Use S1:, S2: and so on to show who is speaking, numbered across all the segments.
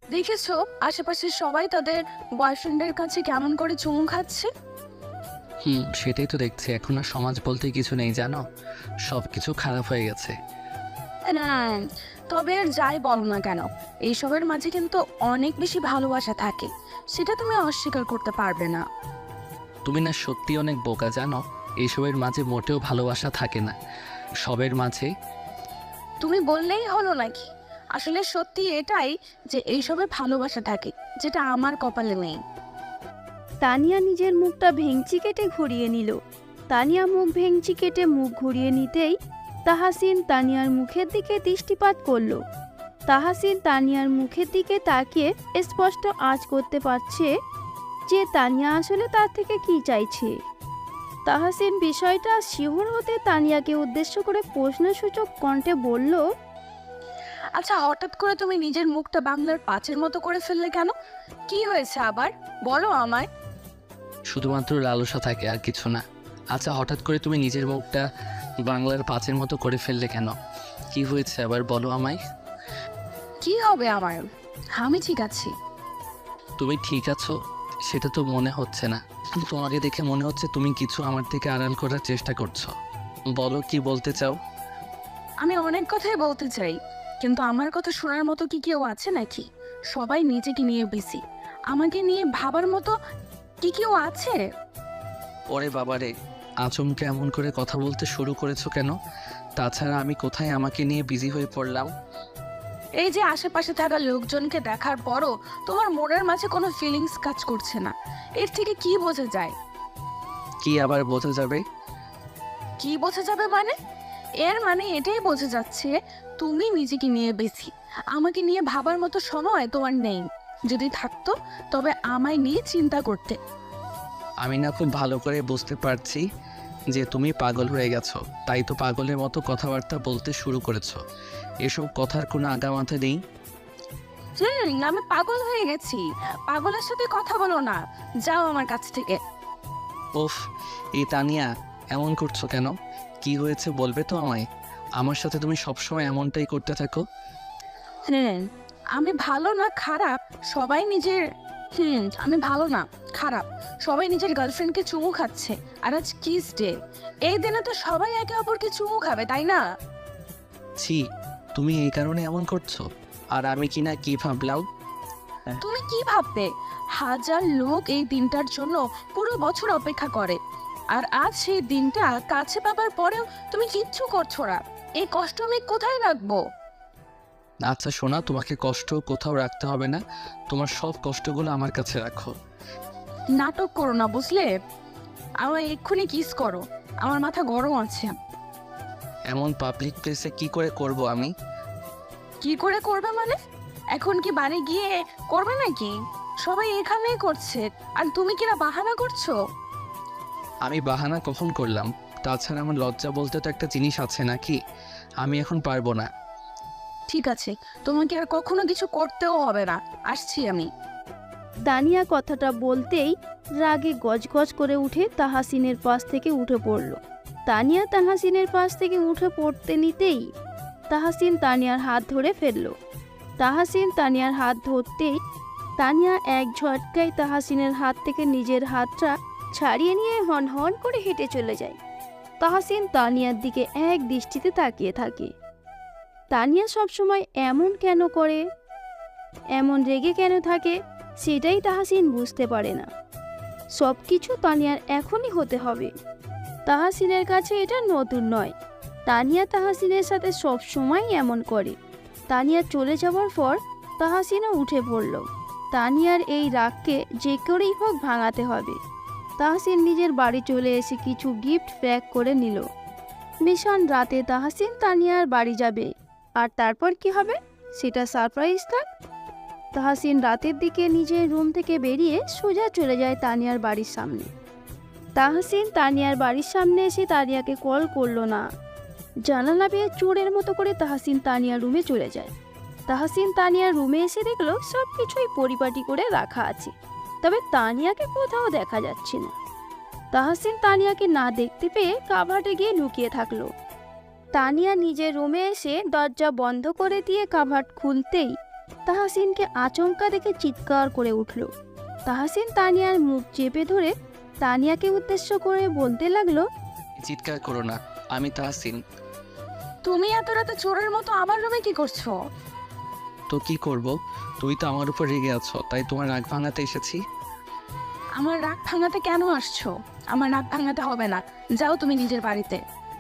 S1: দেখেছো আশেপাশে সবাই তাদের বয়ফ্রেন্ডের কাছে কেমন করে চুমু খাচ্ছে?
S2: সেটাই তো দেখছি। এখন আর সমাজ বলতে কিছু নেই, জানো, সব কিছু খারাপ হয়ে গেছে।
S1: না, তবে আর যাই বলো না কেন, এইসবের মাঝে কিন্তু অনেক বেশি ভালোবাসা থাকে, সেটা তুমি অস্বীকার করতে পারবে না।
S2: তুমি না সত্যি অনেক বোকা, জানো। এইসবের মাঝে মোটেও ভালোবাসা থাকে না, সবের মাঝে।
S1: তুমি বললেই হলো নাকি? আসলে সত্যি এটাই যে এইসবে ভালোবাসা থাকে, যেটা আমার কপালে নেই।
S3: তানিয়া নিজের মুখটা ভেঙচি কেটে ঘুরিয়ে নিল। তানিয়া মুখ ভেঙচি কেটে মুখ ঘুরিয়ে নিতেই তাহাসিন তানিয়ার মুখের দিকে দৃষ্টিপাত করল। তাহাসিন তানিয়ার মুখের দিকে তাকিয়ে স্পষ্ট আঁচ করতে পারছে যে তানিয়া আসলে তার থেকে কি চাইছে। তাহাসিন বিষয়টা শিহর হতে তানিয়াকে উদ্দেশ্য করে প্রশ্নসূচক কণ্ঠে বলল,
S1: আচ্ছা, হঠাৎ করে তুমি নিজের মুখটা বাংলার পাঁচের মতো করে ফেললে কেন? কি হয়েছে আবার, বলো আমায়।
S2: শুধুমাত্র লালসা থাকে, আর কিছু না। আচ্ছা, হঠাৎ করে তুমি নিজের মুখটা বাংলার পাঁচের মতো করে ফেললে কেন? কি হয়েছে আবার, বলো আমায়।
S1: কি হবে আমার, আমি ঠিক আছি।
S2: তুমি ঠিক আছো সেটা তো মনে হচ্ছে না। তোমাকে দেখে মনে হচ্ছে তুমি কিছু আমার থেকে আড়াল করার চেষ্টা করছো। বলো, কি বলতে চাও?
S1: আমি অনেক কথাই বলতে চাই, কিন্তু আমার কথা শোনার মতো কি কেউ আছে নাকি? সবাই নিজেকে নিয়ে বিজি, আমাকে নিয়ে ভাবার মতো কি কেউ আছে?
S2: ওরে বাবারে, আচমকে এমন করে কথা বলতে শুরু করেছো কেন? তাছাড়া আমি কোথায় আমাকে নিয়ে বিজি হয়ে পড়লাম?
S1: এই যে আশেপাশে থাকা লোকজনকে দেখার পরও তোমার মনের মাঝে কোনো ফিলিংস কাজ করছে না, এর থেকে কি বোঝা যায়?
S2: কি আবার বোঝা যাবে?
S1: কি বোঝা যাবে মানে? এর মানে এটাই বোঝা যাচ্ছে তুমি নিজেকে নিয়ে বেশি, আমাকে নিয়ে ভাবার মতো সময় তোমার নেই। যদি থাকতো তবে আমায় নিয়ে চিন্তা করতে।
S2: আমি না খুব ভালো করে বুঝতে পারছি যে তুমি পাগল হয়ে গেছো, তাই তো পাগলের মতো কথাবার্তা বলতে শুরু করেছো। এসব কথার কোনো আগামাথা নেই।
S1: আমি পাগল হয়ে গেছি। পাগলের সাথে কথা বলো না, যাও আমার কাছ থেকে।
S2: ওফ, এই তানিয়া, এমন করছো কেন? কি হয়েছে বলবে তো আমায়? আমার সাথে তুমি সবসময় এমনটাই করতে থাকো।
S1: হ্যাঁ, আমি ভালো না খারাপ সবাই নিজের আমি ভালো না খারাপ সবাই নিজের গার্লফ্রেন্ডকে চুমু খাচ্ছে। আর আজ কিস ডে, এই দিনে তো সবাই একে অপরকে চুমু খাবে, তাই না?
S2: ছি, তুমি এই কারণে এমন করছো? আর আমি কি না কি ভাবলাম?
S1: তুমি কি ভাববে? হাজার লোক এই দিনটার জন্য পুরো বছর অপেক্ষা করে, আর আজ সেই দিনটা কাছে পাবার পরেও তুমি কিচ্ছু করছো না। এই কষ্ট আমি কোথায় রাখবো?
S2: আচ্ছা শোনা, তোমাকে কষ্ট কোথাও রাখতে হবে না। তোমার সব কষ্টগুলো আমার কাছে রাখো।
S1: নাটক করো না, বুঝলে? আমার এক্ষুনি কিস করো, আমার মাথা গরম আছে।
S2: এমন পাবলিক প্লেসে কি করে করব আমি?
S1: কি করে করবে মানে? এখন কি বাড়ি গিয়ে করবে নাকি? সবাই এখানেই করছে, আর তুমি কিনা বাহানা করছো।
S2: আমি বাহানা কখন করলাম? তাছাড়া আমার লজ্জা বলতে তো একটা জিনিস আছে নাকি? আমি এখন পারবো না।
S1: ঠিক আছে, তোমাকে আর কখনো কিছু করতেও হবে না, আসছি আমি।
S3: দানিয়া কথাটা বলতেই রাগে গজগজ করে উঠে তাহাসিনের পাশ থেকে উঠে পড়ল। তানিয়া তাহাসিনের পাশ থেকে উঠে পড়তে নিতেই তাহাসিন তানিয়ার হাত ধরে ফেলল। তাহাসিন তানিয়ার হাত ধরতেই তানিয়া এক ঝটকায় তাহাসিনের হাত থেকে নিজের হাতটা ছাড়িয়ে নিয়ে হন হন করে হেঁটে চলে যায়। তাহাসিন তানিয়ার দিকে এক দৃষ্টিতে তাকিয়ে থাকে। তানিয়া সবসময় এমন কেন করে, এমন রেগে কেন থাকে, সেটাই তাহাসিন বুঝতে পারে না। সব কিছু তানিয়ার এখনই হতে হবে। তাহাসিনের কাছে এটা নতুন নয়। তানিয়া তাহাসিনের সাথে সব সময় এমন করে। তানিয়া চলে যাওয়ার পর তাহাসিনও উঠে পড়ল। তানিয়ার এই রাগকে যে করেই হোক ভাঙাতে হবে। তাহাসিন নিজের বাড়ি চলে এসে কিছু গিফট প্যাক করে নিল। ভীষণ রাতে তাহাসিন তানিয়ার বাড়ি যাবে, আর তারপর কি হবে সেটা সারপ্রাইজ থাক। তাহাসিন রাতের দিকে নিজের রুম থেকে বেরিয়ে সোজা চলে যায় তানিয়ার বাড়ির সামনে। তাহাসিন তানিয়ার বাড়ির সামনে এসে তানিয়াকে কল করলো না। জানালা বেয়ে চোরের মতো করে তাহাসিন তানিয়ার রুমে চলে যায়। তাহাসিন তানিয়ার রুমে এসে দেখলো সব কিছুই পরিপাটি করে রাখা আছে, তবে তানিয়াকে কোথাও দেখা যাচ্ছে না। তাহাসিন তানিয়াকে না দেখতে পেয়ে কাভার্ডে গিয়ে লুকিয়ে থাকলো। তানিয়া নিজের রুমে এসে দরজা বন্ধ করে দিয়ে কাভার্ড খুলতেই তাহাসিনকে আচমকা দেখে চিৎকার করে উঠল। তাহাসিন তানিয়ার মুখ চেপে ধরে তানিয়াকে উদ্দেশ্য করে বলতে লাগলো,
S2: চিৎকার করো না, আমি তাহসিন।
S1: তুমি এত রাতে চোরের মতো আমার রুমে কি করছো?
S2: তো কি করব, তুই তো আমার উপর রেগে আছো, তাই তোমার রাগ ভাঙাতে এসেছি।
S1: আমার রাগ ভাঙাতে কেন আসছো? আমার রাগ ভাঙাতে হবে না, যাও তুমি নিজের বাড়িতে।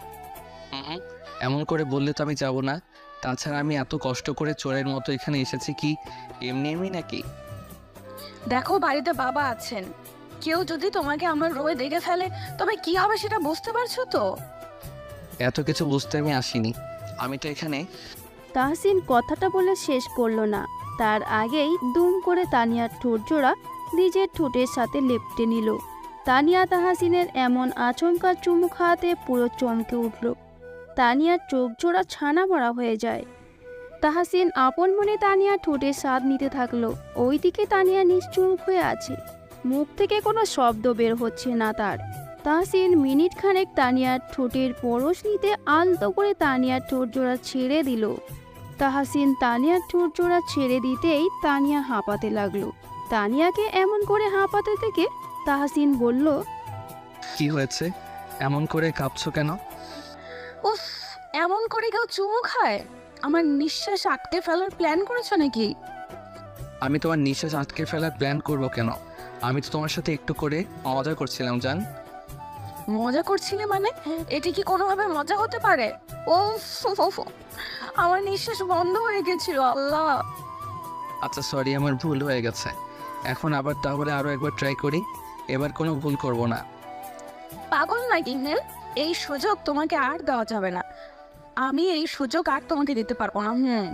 S2: এমন করে বললে তো আমি যাব না। তাছাড়া আমি এত কষ্ট করে চোরের মতো এখানে এসেছি কি এমনি এমনি নাকি?
S1: দেখো বাড়িতে বাবা আছেন, কেউ যদি তোমাকে আমার রুমে দেখে ফেলে তবে কি হবে সেটা বুঝতে পারছো তো?
S2: এত কিছু বুঝতে আমি আসিনি, আমি তো এখানে।
S3: তাহসিন কথাটা বলে শেষ করলো না, তার আগেই দুম করে তানিয়ার ঠোঁট জোড়া নিজের ঠোঁটের সাথে লেপটে নিল। তানিয়া তাহাসিনের এমন আচমকা চুমু খাওয়াতে পুরো চমকে উঠল। তানিয়ার চোখ জোড়া ছানা ভরা হয়ে যায়। তাহাসিন আপন মনে তানিয়ার ঠোঁটের স্বাদ নিতে থাকলো। ওইদিকে তানিয়া নিশ্চুপ হয়ে আছে, মুখ থেকে কোনো শব্দ বের হচ্ছে না তার। তাহসিন মিনিট খানেক তানিয়ার ঠোঁটের পরশ নিতে আলতো করে তানিয়ার ঠোঁট জোড়া ছেড়ে দিল। তাহসিন তানিয়ার ঠোঁট জোড়া ছেড়ে দিতেই তানিয়া হাঁপাতে লাগলো। তানিয়াকে এমন করে হাঁপাতে থেকে তাহসিন বলল,
S2: কি হয়েছে, এমন করে কাঁপছো কেন?
S1: উফ, এমন করে কেউ চুমু খায়? আমার নিঃশ্বাস আটকে ফেলার প্ল্যান করেছো নাকি?
S2: আমি তোমার নিঃশ্বাস আটকে ফেলার প্ল্যান করব কেন? আমি তো তোমার সাথে একটু করে মজা করছিলাম জান।
S1: মজা করছিলে মানে? এটি কি কোনোভাবে মজা হতে পারে? উফ, আমার নিঃশ্বাস বন্ধ হয়ে গেছিল। আল্লাহ,
S2: আচ্ছা সরি, আমার ভুল হয়ে গেছে। এখন আবার তাহলে আরও একবার ট্রাই করি, এবার কোনো ভুল করব না।
S1: পাগল নাকি নেল? এই সুযোগ তোমাকে আর দেওয়া যাবে না। আমি এই সুযোগ আর তোমাকে দিতে পারবো না।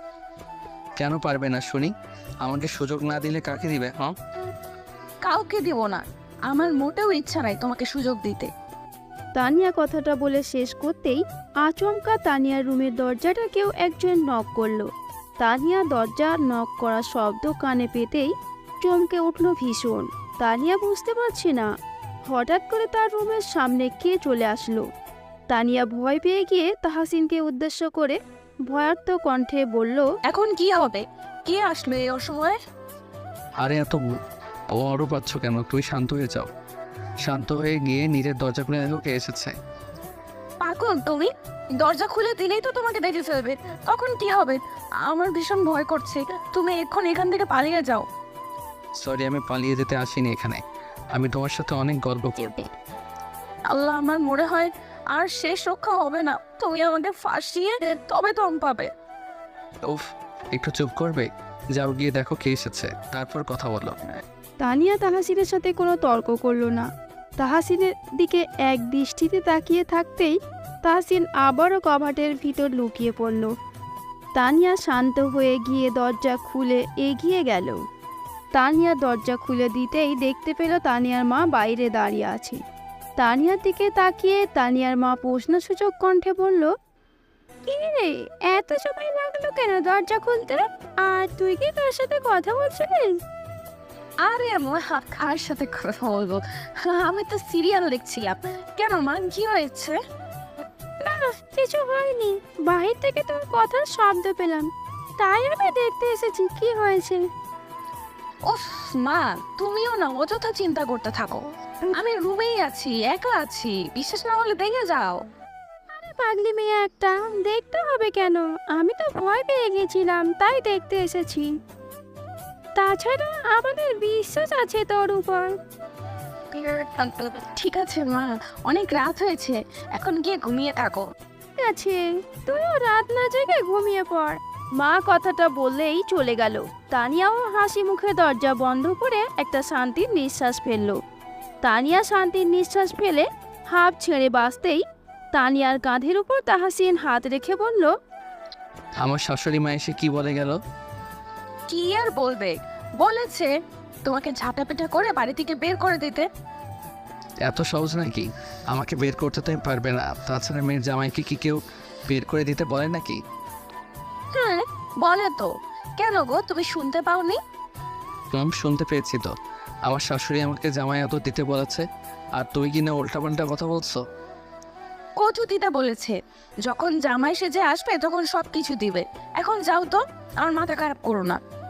S2: কেন পারবে না শুনি? আমাকে সুযোগ না দিলে কাকে দিবে? হ্যাঁ,
S1: কাউকে দিব না। আমার মোটেও ইচ্ছা নাই তোমাকে সুযোগ দিতে।
S3: তানিয়া কথাটা বলে শেষ করতেই আচমকা তানিয়ার রুমের দরজাটা কেউ একজন নক করলো। তানিয়া দরজা নক করা শব্দ কানে পেতেই চমকে উঠল ভীষণ। তানিয়া বুঝতে পারছে না হঠাৎ করে তার রুমের সামনে কে চলে আসলো। তানিয়া ভয় পেয়ে গিয়ে তাহাসিনকে উদ্দেশ্য করে ভয়ার্ত কণ্ঠে বলল,
S1: এখন কি হবে? কে আসলো এই অসময়ে?
S2: আরে এত বড় পাচ্ছ কেন? তুই শান্ত হয়ে যাও। শান্ত হয়ে গিয়ে নিজের দরজা খুলে দেখো কে এসেছে।
S1: পাগল তুমি? দরজা খুলে দিলেই তো তোমাকে দেখে ফেলবে, তখন কি হবে? আমার ভীষণ ভয় করছে। তুমি এখন এখান থেকে পালিয়ে যাও।
S2: সরি, আমি পালিয়ে যেতে আসিনি এখানে। আমি তোমার সাথে অনেক গল্প করব।
S1: আল্লাহ, আমার মনে হয় আর শেষ রক্ষা হবে না। তুমি আমাকে ফাঁসিয়ে তবে দম পাবে।
S2: উফ, একটু চুপ করবে? যাও গিয়ে দেখো কে এসেছে, তারপর কথা বলো।
S3: তানিয়া তাহাসিনের সাথে কোনো তর্ক করলো না। তাহাসিনের দিকে এক দৃষ্টিতে তাকিয়ে থাকতেই তাহসিন আবারও কবাটের ভিতর লুকিয়ে পড়ল। তানিয়া শান্ত হয়ে গিয়ে দরজা খুলে এগিয়ে গেল। তানিয়া দরজা খুলে দিতেই দেখতে পেল তানিয়ার মা বাইরে দাঁড়িয়ে আছে। তানিয়ার দিকে তাকিয়ে তানিয়ার মা প্রশ্নসূচক কণ্ঠে বলল, কি রে, এত সময় লাগলো কেন দরজা খুলতে? আর তুই কি তার সাথে কথা বলছিলিস?
S1: আরে আমার কার সাথে কথা বলবো? আমি তো সিরিয়াল দেখছিলাম। কেন মা, কি হয়েছে?
S3: না, কিছু হয়নি। বাহির থেকে তোর কথার শব্দ পেলাম, তাই আমি দেখতে এসেছি কি হয়েছে।
S1: উফ মা, তুমিও না অযথা চিন্তা করতে থাকো। আমি রুমেই আছি, একা আছি। বিশ্বাস না হলে দেখে যাও।
S3: আরে পাগলি মেয়ে একটা, দেখতে হবে কেন? আমি তো ভয় পেয়ে গেছিলাম, তাই দেখতে এসেছি। তাছাড়া আমাদের বিশ্বাস আছে তোর উপর।
S1: ঠিক আছে মা, অনেক রাত হয়েছে, এখন গিয়ে ঘুমিয়ে থাকো।
S3: ঠিক আছে, তুইও রাত না জেগে ঘুমিয়ে পড়। মা কথাটা বললেই চলে গেল। তানিয়াও হাসি মুখে দরজা বন্ধ করে একটা শান্তির নিঃশ্বাস ফেলল। তানিয়া শান্তির নিঃশ্বাস ফেলে হাঁপ ছেড়ে বাঁচতেই তানিয়ার কাঁধের উপর তাহাসিন হাত রেখে বলল,
S2: আমার শাশুড়ি মা এসে কি বলে গেল?
S1: কি আর বলবে, বলেছে তোমাকে ঝাঁটাপেটা করে বাড়ি থেকে বের করে দিতে।
S2: এত সহজ নাকি? আমাকে বের করতে তো পারবে না। তাছাড়া মেয়ের জামাইকে কি কেউ বের করে দিতে বলে নাকি?
S1: হ্যাঁ বলে তো। কেন গো, তুমি শুনতে পাওনি?
S2: আমি শুনতে পেয়েছি তো, আমার শাশুড়ি আমাকে জামাই এত দিতে বলেছে, আর তুই কিনা উল্টাপাল্টা কথা বলছো।
S1: কচু দিতে বলেছে, যখন জামাই সেজে আসবে তখন সব কিছু দিবে। এখন যাও তো, আমার মাথা খারাপ করো না।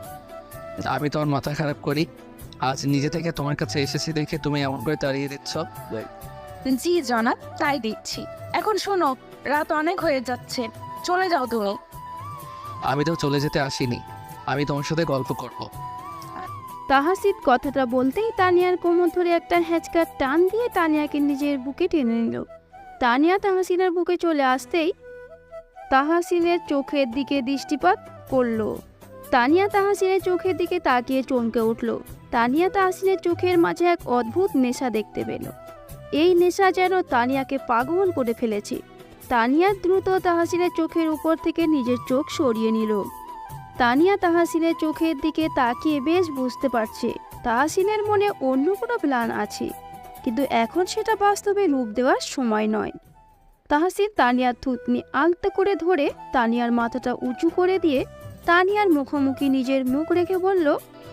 S2: আমি তোমার মাথা খারাপ করি? আজ নিজে থেকে তোমার কাছে এসেছি দেখে তুমি এমন করে তাড়িয়ে দিচ্ছ?
S1: জি জনাব, তাই দিচ্ছি। এখন শোনো, রাত অনেক হয়ে যাচ্ছে, চলে যাও তুমি।
S2: আমি তো চলে যেতে আসিনি, আমি তোমার সাথে গল্প করব।
S3: তাহাসিন কথাটা বলতেই তানিয়ার কোমর ধরে একটা হ্যাঁচকা টান দিয়ে তানিয়াকে নিজের বুকে টেনে নিল। তানিয়া তাহাসিনের বুকে চলে আসতেই তাহাসিনের চোখের দিকে দৃষ্টিপাত করলো। তানিয়া তাহাসিনের চোখের দিকে তাকিয়ে চমকে উঠল। তানিয়া তাহাসিনের চোখের মাঝে এক অদ্ভুত নেশা দেখতে পেল। এই নেশা যেন তানিয়াকে পাগল করে ফেলেছে। তানিয়া দ্রুত তাহাসিনের চোখের উপর থেকে নিজের চোখ সরিয়ে নিল। তানিয়া তাহাসিনের চোখের দিকে তাকিয়ে বেশ বুঝতে পারছে তাহাসিনের মনে অন্য কোনো প্ল্যান আছে, কিন্তু এখন সেটা বাস্তবে রূপ দেওয়ার সময় নয়। তাহাসিন তানিয়ার থুতনি আলতো করে ধরে তানিয়ার মাথাটা উঁচু করে দিয়ে তানিয়ার মুখোমুখি নিজের মুখ রেখে বলল,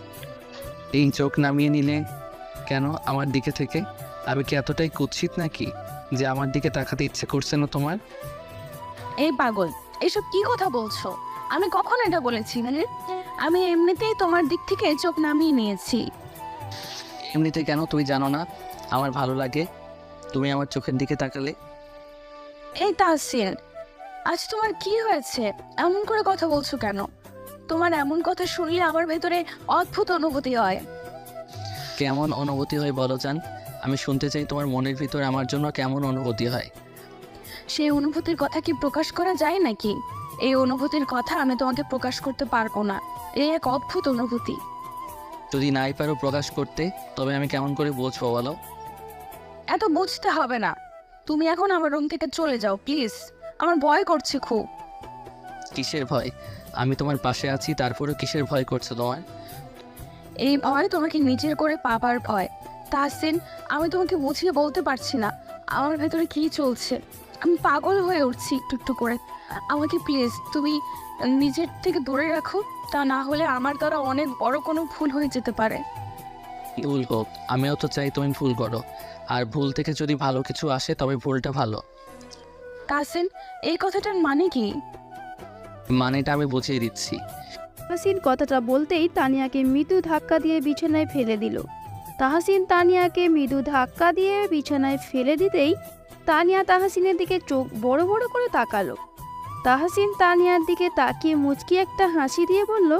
S2: এই চোখ নামিয়ে নিলে কেন আমার দিকে থেকে? আমি কি এতটাই কুৎসিত নাকি যে আমার দিকে তাকাতে ইচ্ছে করছে না তোমার?
S1: এই পাগল, এসব কি কথা বলছো? আমি কখন এটা বলেছি? আমি এমনিতেই তোমার দিক থেকে চোখ নামিয়ে নিয়েছি।
S2: এমনিতে কেন, তুমি জানো না আমার ভালো লাগে তুমি আমার চোখের দিকে তাকালে?
S1: এই তাহসিন, আজ তোমার কি হয়েছে? এমন করে কথা বলছো কেন? তোমার এমন কথা শুনলে আমার ভেতরে অদ্ভুত অনুভূতি হয়।
S2: কেমন অনুভূতি হয় বলো জান? আমি শুনতে চাই তোমার মনের ভিতর আমার জন্য কেমন অনুভূতি হয়।
S1: সেই অনুভূতির কথা কি প্রকাশ করা যায় নাকি? এই অনুভূতির কথা আমি তোমাকে প্রকাশ করতে পারবো না। এই এক অদ্ভুত অনুভূতি।
S2: যদি নাই পারো প্রকাশ করতে, তবে আমি কেমন করে বুঝবো বলো?
S1: এত বুঝতে হবে না, তুমি এখন আমার রুম থেকে চলে যাও প্লিজ। আমার ভয় করছে খুব।
S2: কিসের ভয়? আমি তোমার পাশে আছি, তারপরেও কিসের ভয় করছো তোমার?
S1: এই ভয় তোমাকে নিজের করে পাবার ভয়। তাহসিন, আমি তোমাকে বুঝিয়ে বলতে পারছি না আমার ভেতরে কি চলছে। আমি পাগল হয়ে উঠছি একটু একটু করে। আমাকে প্লিজ তুমি নিজের থেকে দূরে রাখো, তা না হলে আমার দ্বারা অনেক বড় কোনো ভুল হয়ে যেতে পারে।
S2: ভুল হোক, আমিও তো চাই তুমি ভুল করো, আর ভুল থেকে যদি ভালো কিছু আসে তবে ভুলটা ভালো।
S1: তাহসিন, এই কথাটার মানে কি?
S2: মানেটা আমি বুঝিয়ে দিচ্ছি।
S3: তাহাসিন কথাটা বলতেই তানিয়াকে মৃদু ধাক্কা দিয়ে বিছানায় ফেলে দিল। তাহাসিন তানিয়াকে মৃদু ধাক্কা দিয়ে বিছানায় ফেলে দিতেই তানিয়া তাহাসিনের দিকে চোখ বড় বড় করে তাকালো। তাহাসিন তানিয়ার দিকে তাকিয়ে মুচকি একটা হাসি দিয়ে বলল,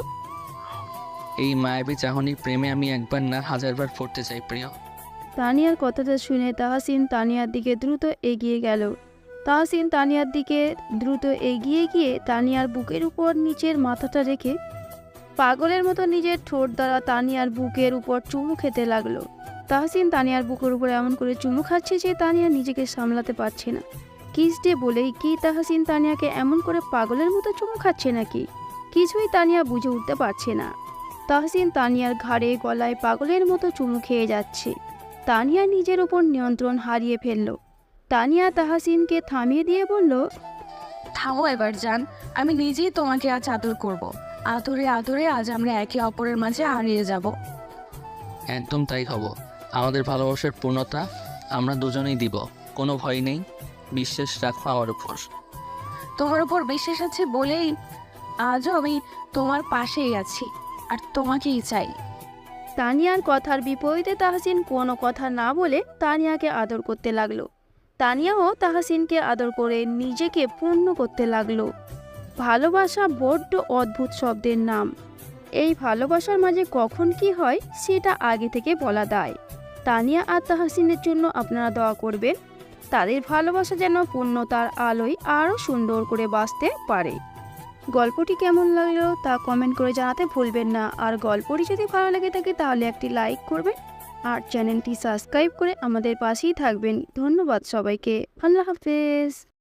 S2: এই মায়াবী চাহনির প্রেমে আমি একবার না হাজারবার পড়তে চাই প্রিয়।
S3: তানিয়ার কথাটা শুনে তাহাসিন তানিয়ার দিকে দ্রুত এগিয়ে গেল। তাহাসিন তানিয়ার দিকে দ্রুত এগিয়ে গিয়ে তানিয়ার বুকের উপর নিচের মাথাটা রেখে পাগলের মতো নিজের ঠোঁট দ্বারা তানিয়ার বুকের উপর চুমু খেতে লাগলো। তাহসিন তানিয়ার বুকের উপর এমন করে চুমু খাচ্ছে যে তানিয়া নিজেকে সামলাতে পারছে না। কিস ডে বলেই কি তাহসিন তানিয়াকে এমন করে পাগলের মতো চুমু খাচ্ছে নাকি? কিছুই তানিয়া বুঝে উঠতে পারছে না। তাহসিন তানিয়ার ঘাড়ে গলায় পাগলের মতো চুমু খেয়ে যাচ্ছে। তানিয়া নিজের উপর নিয়ন্ত্রণ হারিয়ে ফেলল। তানিয়া তাহসিনকে থামিয়ে দিয়ে বলল,
S1: থামো এবার জান, আমি নিজেই তোমাকে আজ আদর করব। আদরে আদরে আজ আমরা একে অপরের মাঝে হারিয়ে যাব।
S2: একদম তাই হব। আমাদের ভালোবাসার পূর্ণতা আমরা দুজনেই দিব, কোনো ভয় নেই। বিশ্বাস রাখো আমার উপর।
S1: তোমার উপর বিশ্বাস আছে বলেই আজও আমি তোমার পাশেই আছি, আর তোমাকেই চাই।
S3: তানিয়ার কথার বিপরীতে তাহসিন কোনো কথা না বলে তানিয়াকে আদর করতে লাগলো। তানিয়াও তাহসিনকে আদর করে নিজেকে পূর্ণ করতে লাগলো। ভালোবাসা বড্ড অদ্ভুত শব্দের নাম। এই ভালোবাসার মাঝে কখন কি হয় সেটা আগে থেকে বলা দায়। তানিয়া আর তাহসিনের জন্য আপনারা দোয়া করবেন, তাদের ভালোবাসা যেন পূর্ণতার আলোয় আরও সুন্দর করে বাঁচতে পারে। গল্পটি কেমন লাগলো তা কমেন্ট করে জানাতে ভুলবেন না। আর গল্পটি যদি ভালো লেগে থাকে তাহলে একটি লাইক করবেন আর চ্যানেলটি সাবস্ক্রাইব করে আমাদের পাশেই থাকবেন। ধন্যবাদ সবাইকে। আল্লাহ হাফেজ।